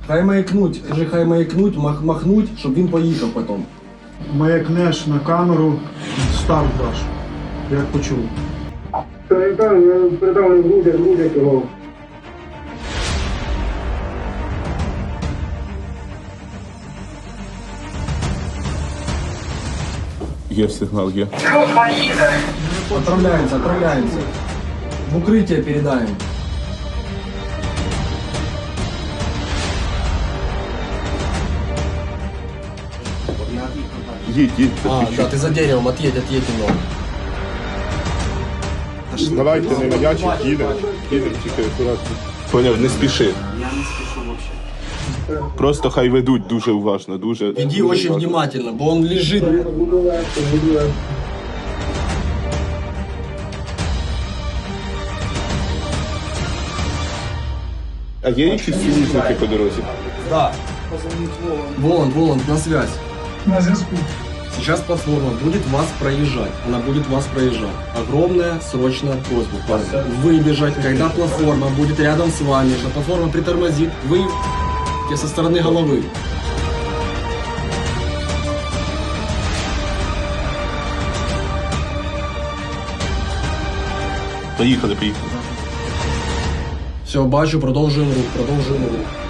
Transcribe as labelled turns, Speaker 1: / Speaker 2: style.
Speaker 1: Хай маякнуть, кажи, хай маякнуть, махнуть, щоб він поїхав потім.
Speaker 2: Маякнеш на камеру, старт даш, як почув.
Speaker 3: Я передав, не буде цього.
Speaker 4: Є сигнал, є.
Speaker 1: Отправляемся. В укрытие передаем.
Speaker 4: Їдь,
Speaker 1: Да, ты за деревом, отъедь немного.
Speaker 4: Давайте не маячить, їдемо, тільки акуратно. Поняв, не спіши.
Speaker 1: Я не спешу вообще.
Speaker 4: Просто хай ведуть дуже уважно, дуже.
Speaker 1: Иди очень внимательно, бо он лежит.
Speaker 3: Буду легко.
Speaker 4: А є якісь союзники по дорозі?
Speaker 1: Да. Воланд, на связь.
Speaker 2: На зв'язку.
Speaker 1: Сейчас платформа будет вас проезжать. Она будет вас проезжать. Огромная срочная просьба, парни. Выбежать, когда платформа будет рядом с вами, что платформа притормозит, вы со стороны головы.
Speaker 4: Поїхали.
Speaker 1: Все, бачу, продовжуємо рух.